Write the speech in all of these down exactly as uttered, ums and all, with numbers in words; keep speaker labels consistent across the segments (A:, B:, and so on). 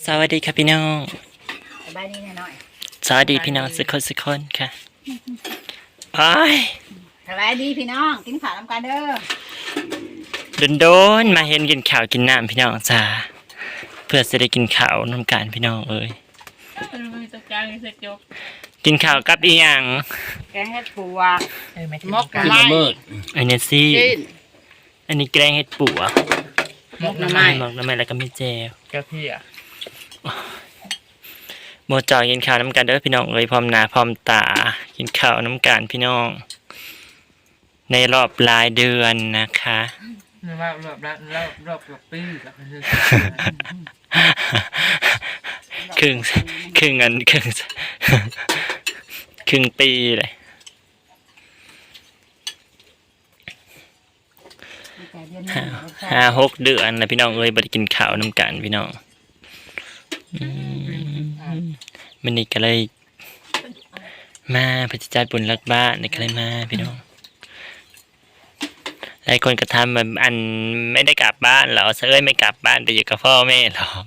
A: สวัสดีครับพี่น้อง
B: สบายดีแน่หน่อย
A: สวัสดีพี่น้องสักคนสักคนค่ะไอ้
B: สบายดีพี่น้องกินข้าวน้ำกันเด้อ
A: โดนโดนมาเห็นกินข้าวกินน้ำพี่น้องจ้าเพื่อจะได้กินข้าวน้ำกันพี่น้องเอ้ยกินข้าวกับอีหยัง
B: แกงเห็ดปัวมก
C: ขึ้นมาเมิด
A: อันนี้สิอันนี้แกงเห็ดปัว
B: มกน้ำไม้
A: มกน้ำไม้แล้วก็มีแจว
C: กะเพีย
A: โมจอยกินข้าวน้ำกันเด้อพี่น้องเอ้ยพร้อมหน้าพร้อมตากินข้าวน้ำกันพี่น้องในรอบรายเดือนนะคะ
C: รอบรอบรอบรอบรอบรอบปีกับ
A: ครึ่งครึ่งอันครึ่งครึ่งปีเลยห้าหกเดือนนะพี่น้องเอ้ยบ่ได้กินข้าวน้ำกันพี่น้องมันนี่ก็เลยมาพระจัดบุญรักบ้านนี่ก็เลยมาพี่น้องหลายคนก็ทำแบบอันไม่ได้กลับบ้านหรอเอ้ยไม่กลับบ้านไปอยู่กับพ่อแม่หรอ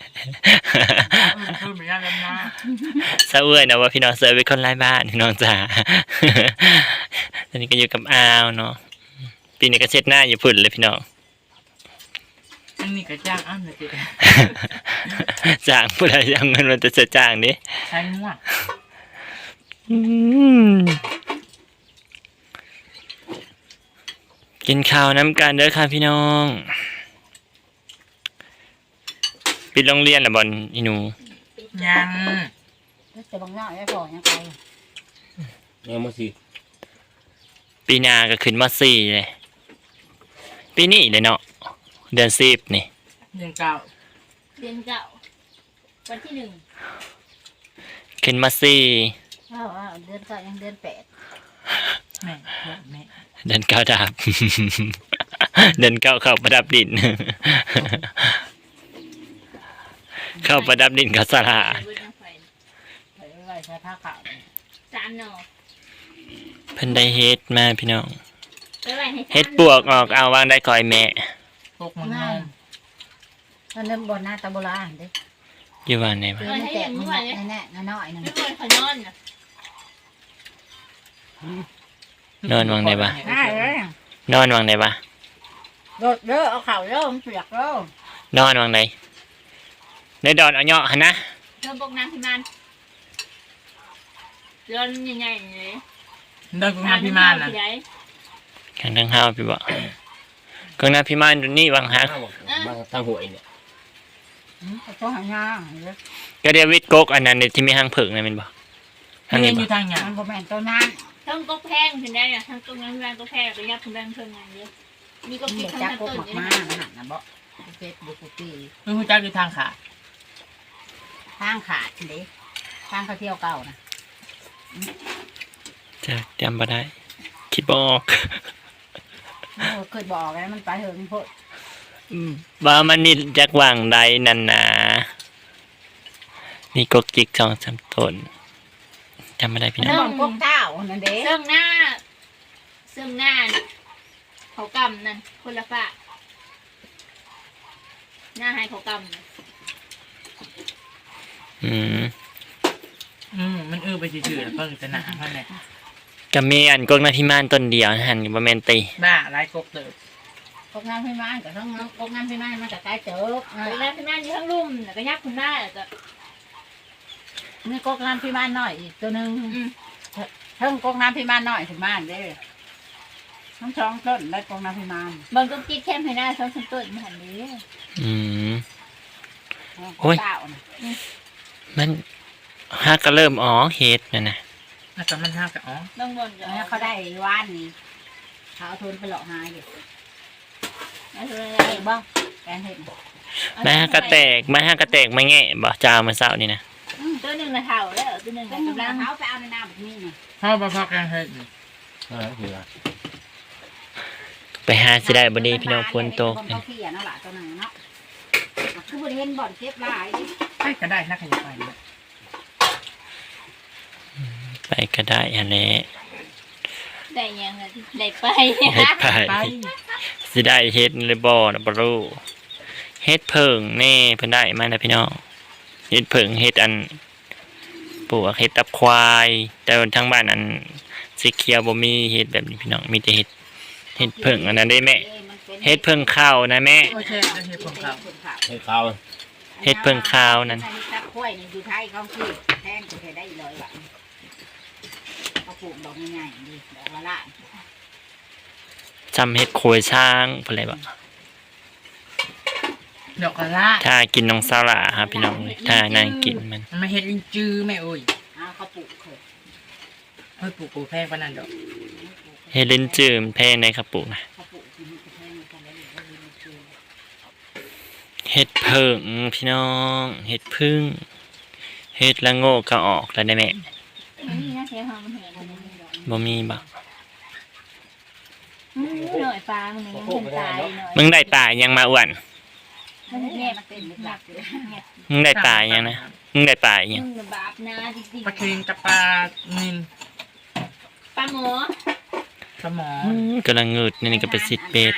A: เสอ้ยนะว่าพี่น้องเสอ้ยเป็นคนไร้บ้านพี่น้องจ๋าตอนนี้ก็อยู่กับอาวเนาะปีนี้ก็เช็ดหน้าอยู่พุ่นเลยพี่น้อง
C: อันนี้ก็จ้างอ้ำเลย
A: จ้างผู้ใดยังเงินมันจะจะจ้างดิ
C: ใช่มั่ว
A: กินข้าวน้ำกันเด้อค่ะพี่น้องปิดโรงเรียนหรือบอลอีหนู
C: ยัง
B: จะบังหน้าไม่พอยังไป
C: ยังมาสิ
A: ปีหน้าก็ขึ้นมาสี่เลยปีนี้เลยเนาะเดือนสิบนี่
C: เดือนเก้า
B: เดือนเก้าวันที่หนึ่ง
A: ขึ้นมาสี่
B: อ้าวเดือนเก้ายังเดือนแปด
C: แม่แม่
A: เดือนเก้าดับเดือนเก้าเข้าประดับดินเข้าประดับดินกับสลาเพิ่นได้เฮ็ดมาพี่น้องเฮ็ดปวกออกเอาวางได้ก่อยแม่
C: พวกมันง่าย
B: ตอนนั้นบนหน้าตาโบราณดิ
A: อยู่บ้านไหนวะ
B: แตกแน่แน่น้อยนึง
A: นอนวางไหนบ้างนอนวางไหนบ้าง
B: โดดเด้อเอาเข่าเด้อมันเปียกเด้อน
A: อนวางไหนในดอนเอาเหาะหันนะ
B: เริ่มบกน้ำพิมานเดินใหญ่ๆเลย
C: เดินบกน้ำพิมานนะ
A: แข่งทั้งห้าวพี่บอกกองน้ำพิมานดูนี่วางหัก
C: บางทางหวยเนี่ย
B: ต้องหางาน
A: ก็เดียวิทกกอันนั้นที่มีหางผึ่งนะมันบอก
C: ทางนี้อยู่ทางอย่าง
B: มันก็แม่นตัวนั้น
D: ทั้งก๊กแพงถึงได้เนี่ยทั้งก๊กน้ำแรงก๊กแพงไปยับถึงแรงเพิ่มงานเยอะมีก๊กติดทั้งต้น
B: เลยนะหันนะบ่เฟซบุ๊กปี
C: มึงรู้จักอยู่ทางขาด
B: ทางขาดสิทางเขาเที่ยวเก่านะ
A: จะจำบ่ได้คิดบอก
B: เคยบอกแล้วมันไปเหิงพด
A: ว่ามันนี่จากวางใดนั่นนะนี่กกจิกจองจำต้นจำไม่ได้พี่น้อง
B: กกเต้านั่นเด้
D: เสื่อมหน้าเสื่อมหน้าเขากำนั่นคนละฝาหน้าให้เขากำ
A: อืม
C: อืมมันเออไปจืดๆเพิ่งจะหนาเท่านั้น
A: ก็มีอันกกนาพิมานต้นเดียวหันอยู่ประมาณตี
C: บ้าไรกกเติบ
B: กกน้ำพิมานกับทั้งกกน้ำพิมานมันจะใกล้เจอก
D: กน้ำพิมานอยู่ทั้งลุ่มแล้วก็ยักคุณได้จะ
B: นี่กกน้ำพิมานหน่อยอีกตัวหนึ่งเพิ่งกกน้ำพิมานหน่อยถึงบ้านเด้ทั้งสองต้นและกกน้ำพิมาน
D: บางก๊กจิ๊กแค่ให้หน้าสองต้นหันนี้
A: อืมโอ้ยมันฮักก็เริ่มอ๋อเฮ็ดนะนะ
C: แล้วก็มันฮักก็อ๋อ
D: ต้องบน
B: แล้วเขาได้ว่านนี่เขาเอาทุนไปหลอกหายอยู่ไอ้บ้างแกงเห็ด
A: แม่ฮักกระแตกแม่ฮักกระแตกไม่แง่บ่จ้ามาเศร้านี่นะ
D: ตัวหนึ่งนะเท่าแล้วตัวหนึ่ง
B: กำลังเขาไปเอาในน้ำแบบนี้นะ
C: พ่อพ่อพ่อแกงเห็ด
A: ไปหาสิได้บ่ดีพี่น้องฝนตก
B: เขาเขี่ยนั่นแหละตัวหนึ่งเนาะคือบริเวณบ่อนเก็บลาย
C: ไปก็ได้นักขยันไป
A: ไปก็ได้อันนี้
D: ได้ยังไงได้ไป
A: ไปสิได้เฮ็ดเลยบ่นะบ่รู้เฮ็ดเพิ่งแน่เพิ่นได้มาแล้วพี่น้องเฮ็ดเพิ่งเฮ็ดอันปลูกเฮ็ดตับควายแต่ทางบ้านอันสีเขียวบ่มีเฮ็ดแบบนี้พี่น้องมีแต่เฮ็ดเฮ็ดเพิ่งอันนั้นได้แม่เฮ็ดเพิ่งข้าวนะแม่
C: โอเคเฮ็ดผมครับ
E: ให้เขา
A: เฮ็ดเพิ่งข้าวนั่น
B: ตักข้วยนี่อยู่ไทยเขาคือแทนก็ได้เลยว่ะเขาปลูกดอกใหญ่ๆดีดอกละละ
A: จำเฮ็ดโคยช้างเพิ่นเลยบ่
C: ดอกกระลา
A: ถ้ากินน้องสาระครับพี่น้องถ้านางกินมัน
C: มันมาเฮ็ดลิงจื้อแม่โอ้ย
B: เอาเขาปลูกเคย
C: เฮ้ยปลูกกูแพงปานนั้นดอก
A: เฮ็ดลิ้นจือมันแพงในครับปลูกนะ
B: เขาปลูกที่นี่ก็แพงกันแล้วเขาเรียนคือ
A: เฮ็ดเพิ่งพี่น้องเฮ็ดพึ่งเฮ็ดละโงกก็ออกแล้วได้แม่
D: มันนี่นะเสียหอมเห็น
A: บ่มีบ่
D: หน่อยปลามันยังเป็นตายหน่อย
A: มึงได้ปลายังมาอ้วน
D: มัน
B: แม่
D: แง่
B: มันเป็นหลักเลย
A: มึงได้ปลายังนะมึงได้ปลายัง
D: มึงบาปนะจริง
C: ปลาเค็งกับปลานิน
D: ปลาหมอ
C: สมอ
A: อืมกำลังงึดนี่ก็เป็นสิทธิ์เป็ด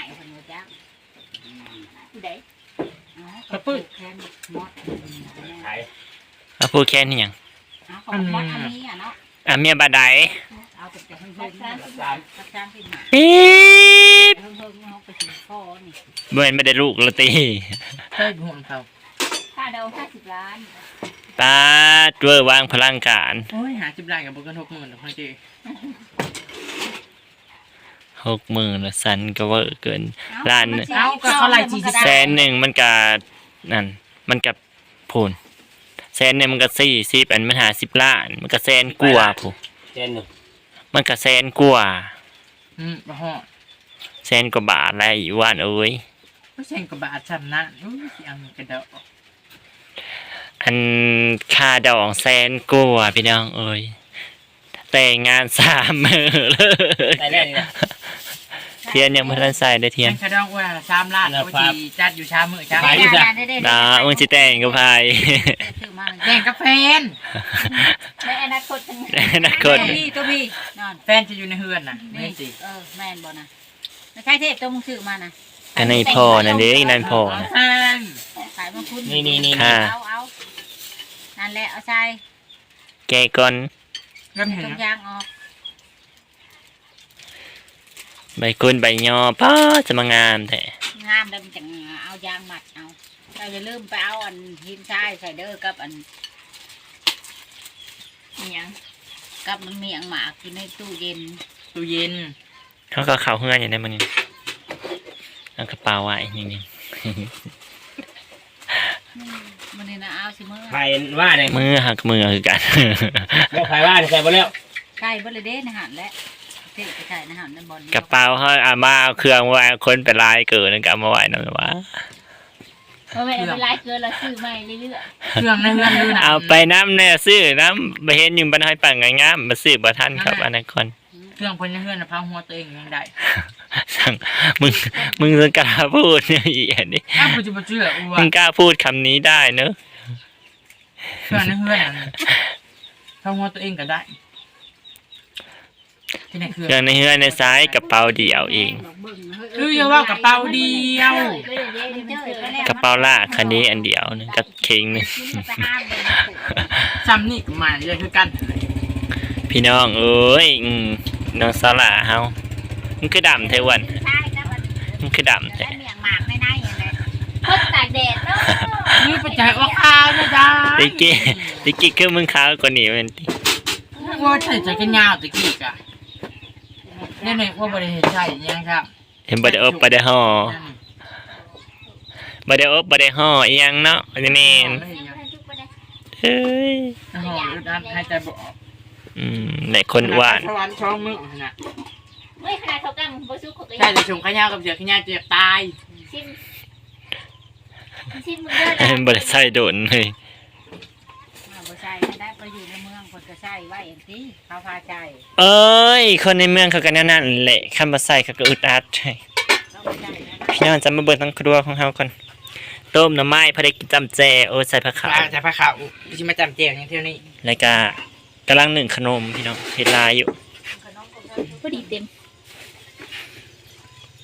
D: เด็ก
B: กระปื้แค่มด
E: ขาย
A: เอาพูดแค่นี้หยัง
B: เอาของมดอันนี้อ่ะเนาะ
A: อ่ะเมียบาดใด
B: เอาแต่เพิ่งเพิ่งรักษาที่หมา
A: ปี๊บ
B: เพิ่งเพิ่งเขาไปถึงคอนี่
A: บ่แม่นบ่ได้ลูกละติ
C: เฮ้ยห่วงเขา
D: ค่าเดาห้าสิบล้าน
A: ปาดเวอร์วางพลังการ
C: โอ้ยหาจิบลายกับบุกันหกหมื่นดอกพ่อเจ
A: หกหมื่นละสันก็เวอร์เกินล้าน
C: เอาก็เขาไล่จีสิ
A: แสนหนึ่งมันก็นั่นมันก็พูนแสนหนึ่งมันก็สี่สิบอันมันหาสิบล้าน มันก็แสนกว่าพู
E: เจนหนึ่ง
A: มันก็แสนกว่า
C: อืมบ่ฮอด
A: แสนกว่าบาทอะไรอีว่านเอ้ย
C: บ่แซงกับบาทซ้ำนั้นอุ้ยสิเอาเงินกระเดาะ
A: อันค่าดอกแสนกว่าพี่น้องเอ้ยแต่งงานสามมือเลย
E: ได้แรกนี่นะ
A: เทียนยังไม่ทันใส่ได้เทียน
C: แม่งกระดองว่าสามล้านโอ้ยสิจัดอยู่ชามมื้อจ้า
A: ดามึงสิแต่งกับพาย
B: ซื้อมา
C: แย่งกับแฟน
D: ในอนาคตทั้ง
A: นักกด
B: พี่ตัวพี่นอน
C: แฟนจะอยู่ในเฮือนน่ะ
B: นี่
C: นี่สิ
B: เออแม่นบ่นะไม่ใช่เทพตัวมึงซื้อมานะ
A: อันนี้พ่อนั่นเด้นั่นพ่อ
C: เอา
A: นะ
C: แฟน
B: ขายมังคุด
E: นี่นี่นี่
A: ค่ะ
B: เอาเอานั่นแหละเอาใส่
A: แกก่อน
C: ก็เห็น
B: ตรง
C: นะ
B: ยางออก
A: ใบกุนใบยอป้าจะมางามแท้
B: งามแล้วมันจะเอายางมัดเอาเราอย่าลืมไปเอาอันหินทรายใส่เด้อกับอัน
D: อย่าง
B: กับมันเมียงหมากอยู่ในตู้เย็น
C: ตู้เย็น
A: เขาก็เข่าเฮือนอย่างนี้มันนี่เอากระเป๋าไว้อย่างนี้
B: มันนี่นะเอาสิมือ
E: ใครว่าเนี่ย
A: มือหักมือคือกัน
E: บ่ใครว่าเนี่ยใส่บ่แล้ว
B: ใช่บ่เลยเด้นะหันและเทพไปใส่นะหันนั่นบอล
A: กระเป๋าเขาเอามาเอาเครื่องไว้คนไปลายเกินแล้วก็เอามาไว้นั่นแหละวะ
D: ว่าไม่เอาไปไล่เกินเราซื้อใหม่เรื่อย
C: เครื่องในเฮือนดูนะ
A: เอาไปน้ำเนี่ยซื้อน้ำไปเห็นอยู่บันไดปังงามๆมาซื้อบ่ทันครับอันนั้นคน
C: เครื่องคนในเฮือนน่ะพังหัวตัวเองยังได้
A: สั่งมึงมึงจะกล้าพูดเนี่ยอีอันนี้
C: อ้าวกูจะมาเชื่ออ้ว
A: มึ
C: น
A: งกล้าพูดคำนี้ได้เนอะ
C: เครื่องในเฮือนน่ะพังหัวตัวเองก็ได้ที่ไหนเครื่อง
A: เครื่องในเฮือนในซ้ายกระเป๋าเดี่ยวเอง
C: คืออย่าว่ากระเป๋าเดียว
D: ๆเลยเดี๋ยวเดี๋ยวมันเจอ
A: กระเป๋าลากคันนี้อันเดียวหนึงกับเข่งหนึง
B: ไปห้ามเลย
C: ซ้ำนี่ก็มาเลยคือกัน
A: พี่น้องเอ้ยอืมน้องสลาเฮามันคือดำเทวัน
B: ใช่ครับมัน
A: มันคือดำแท้
B: ได้เมียงหมากไม่ได้อย่างไร
D: พดตากแดดเนาะ
C: นี่ไปจ่ายออกข้าวนะจ๊ะ
A: ติกี้ติกี้คือมึงขาวกว่านี้มัน
C: ว่าใส่ใจกันยาวตะกี้กะเนี่ยเนี่ยว่าบริเหตุใช่ยังครับ
A: เห็นบ่ได้อบบ่ได้ห่อบ่ได้อบบ่ได้ห่ออีหยังเนาะอันนี้แม่นเฮ้ย
C: ห่ออึดอัดให้ใจบอก
A: อืมในคนอ้วน
C: สวรรค์ช่องมือนะ
D: เฮ้ยขนาดเขากำบสุกเขาก็
C: ใช่
D: ยัง
C: จะชงขยาวกับเสือขยาวจะตาย
D: ชิมชิมมึงเด้อ
A: เห็นบ่ได้ใส่โดนเลย
B: บ่ใช่ได้ไปอยู่ในเมืองคนก็ใช่ไว้อย่างที่เขาพาใจ
A: เอ้ยคนในเมืองเขาก็แนวนั้นแหละคำว่าใส่เขาก็อึดอัดใช่
B: เขาไม่ได้นะ
A: พี่น้องจะมาเบิ่งทั้งครัวของเฮาก่อนต้มหน่อไม้พอได้กินจำแจโอ้ใส่ผักขาว
C: จะพาข่าวจะมาจำเจียงอย่างเที่ยวนี้
A: แล้วก็กำลังหนึ่งขนมพี่น้องเฮ็ดลายอยู่
D: พอดีเต็ม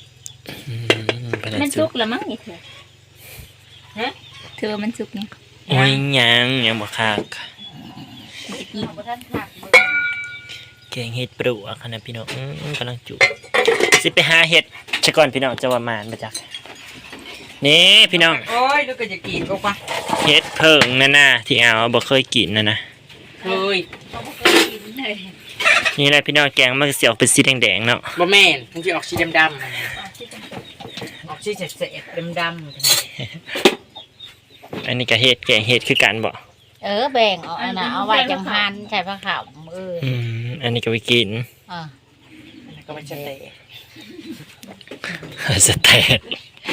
A: อืมไปแล้ว
D: มัน
A: จุ
D: สุกแล้วมั้งนี่เธอฮะเธอมันสุกเนี่ย
C: ย
A: โอ้ยยังยังบ่คัก
B: เอาบ่ทันคักเบิ่ง
A: แกงเห็ดปลวกค่ะนะพี่น้องอื้อกำลังจุสิไปหาเห็ดซะก่อนพี่น้องจะว่ามานมาจากนี่พี่น้อง
C: โอ้ยลูกก็จะกินก็ปะ
A: เห็ดเพิ่งนั่นน่ะที่เอาบ่เคยกินนะนะ
C: เฮ้ย
D: เขาบ่เคยกินเลย
A: นี่แหละพี่น้องแกงมันก็สิออกเป็นสีแดงๆเนาะ
C: บ่แม่นมันจะออกสีดำ
D: อ๋อที่เป็น
C: ๆออกสีเศษๆดำ
A: อันนี้ก็เห็ดแกงเห็ดคือกันบ่
B: เออแบ่งเอาอันน่ะเอาไว้จังหันใส่ผ้าขาวเออ
A: อืมอันนี้ก็ไปกิน
B: อ่า
C: ๆอันนั้นก็ไม่ใช่เตะ
A: สเต็ก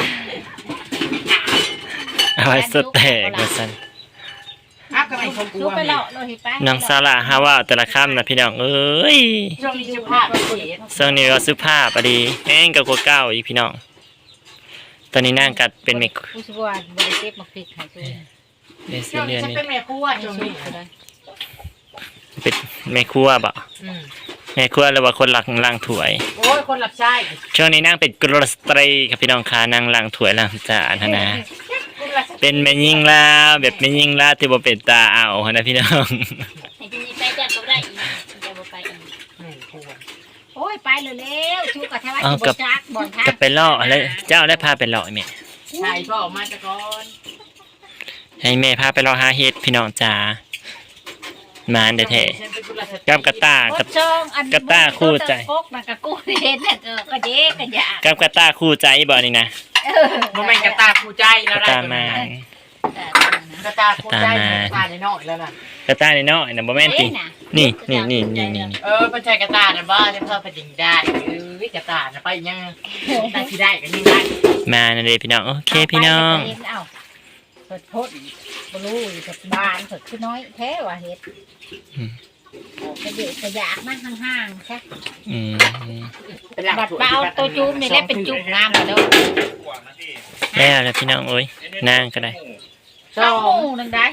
A: เอาไว้สเต็กว่าซั่น
C: อ้าวก็ไม่ชมกู
B: ลูกไปเลาะโลหิตไป
A: น้องซาร่าฮาว่าแต่ละคำนะพี่น้องเอ้ย
C: ช่วงนี้สุภาพเสีย
A: เสื้อนี้ก็สุภาพอะดีแห้งกับกว่าเก้าอีกพี่น้อง ตอนนี้นั่งกัดเป็นเมก
B: ผู้ช่วยบ่ได้เก็บมาพริกให้ตัวเอง
A: เดซิ
C: ช่วง
A: เลี
C: นี้
A: ยน
C: ฉัน
A: นี่
C: เป็นแม่ครัวช่วงนี้
A: เป็นแม่ครัวบ่
C: อืม
A: แม่ครัวหรือว่าคนหลักล้างถ้วย
C: โอ้ยคนหลับใช้
A: ช่วงนี้นั่งเป็นกรสตรีครับพี่น้องค่ะนั่งล้างถ้วยล้างจานนะนะเป็นแม่ยิ่งลาวแบบแม่ยิ่งลาวที่บ่เป็นตาเอาหั้นนะพี่น้อง
D: ไอ้ที่นี่ไปจัดก็ได้อีกจะบ่ไปอีก
C: แม่ครัว
B: โอ้ยไปเร็วๆชูกับแท้ว่า
A: เอา
B: สิ
A: กั
B: บ่
A: บ
B: จักบ่อนทาง
A: กับไปล่ออะไรเจ้าได้พาไปล่อแม่
C: ใช่ก็ออกมาจากก่อน
A: ให้แม่พาไปล่อหาเฮ็ดพี่น้องจ๋ามาอันเดแท้
C: ฉันเป็นกุลสตรี
A: กับกระตา
B: บ่
A: กับ
B: จองอัน
A: กระต้าคู่ใจ
B: กกนั่นก็กูเห็นน่ะเออก็เด็กก็อยาก
A: กับกระตาคู่ใจบ่นี่นะ
C: บ่แม่นกระตาคู่ใจ
A: ก
C: แล้ว
A: ระ
C: ได้
A: ตา
C: ตัว
A: มา
C: นั้น
B: แต่
C: กระตาคู่ใจกระตาในนอกแล้วน่ะ
A: กระตานี่เนาะน่ะบ่แม่นติ
B: เอ๊ะน่ะ
A: นี่นี่นี่นี่นี่
C: เออเป็นชายกระตาน่ะบ้าจะเพิ่มเป็นยังได้เออกระตาน่ะไปยังได้ที่ได้กันยังได้
A: มานั่นเลยพี่น้องโอเคพี่น้อง
B: เาไปเห็นเอ้าเพิ่นพ่นบ่รู้จะบานเพิ่นคือน้อยแท้ว่าเฮ็ดกระเดะกระยากมาห่างๆซะ
A: อืม
C: เป็นหลัก
B: บัดเปล่าตัวจูบนี่แหละเป็นจูบงามกว่าเด้อ
A: แล้วแล้วพี่น้องโอ้ยนั่งก็ได้
C: ส
B: สอ
C: อง ง
B: หมู่นึงได้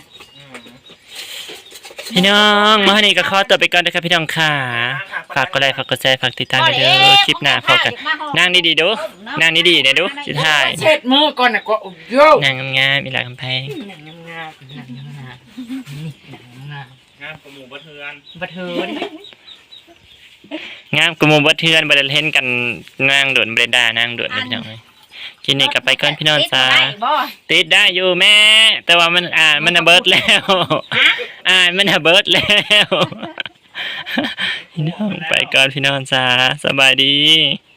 A: พี่น้องมาวันนี้ก็ขอตัวไปก่อนนะครับพี่น้องค่ะฝากกดไลค์ฝากกดแชร์ฝากติดตามด้วยเด้อคลิปหน้าพบกันนั่งดีๆดูนั่งดีๆเนี่ยดูสุดท้าย
C: เช็ดมือก่อนนะก็โอ้โย
A: นั่งงามๆมีหลายคำแพง
C: หนังงามๆหนังงามๆนี่หนังงาม
E: งานประมูลบัเทือน
C: ๆบัดเทิน
A: งามกระหมูบ่เทือนบ่ได้เห็นกันนั่งโดดบ่ได้ด่านั่งโดดนะพี่น้องเอ้ยกินนี่กลับไปก่อนพี่น้องจ้า
B: ได้บ่
A: ติดได้อยู่แม่ แต่ว่ามันอ่านมันน่ะเบิดแล้วอ่านมันน่ะเบิดแล้ว พี่น้องไปก่อนพี่น้องจ้าสบายดี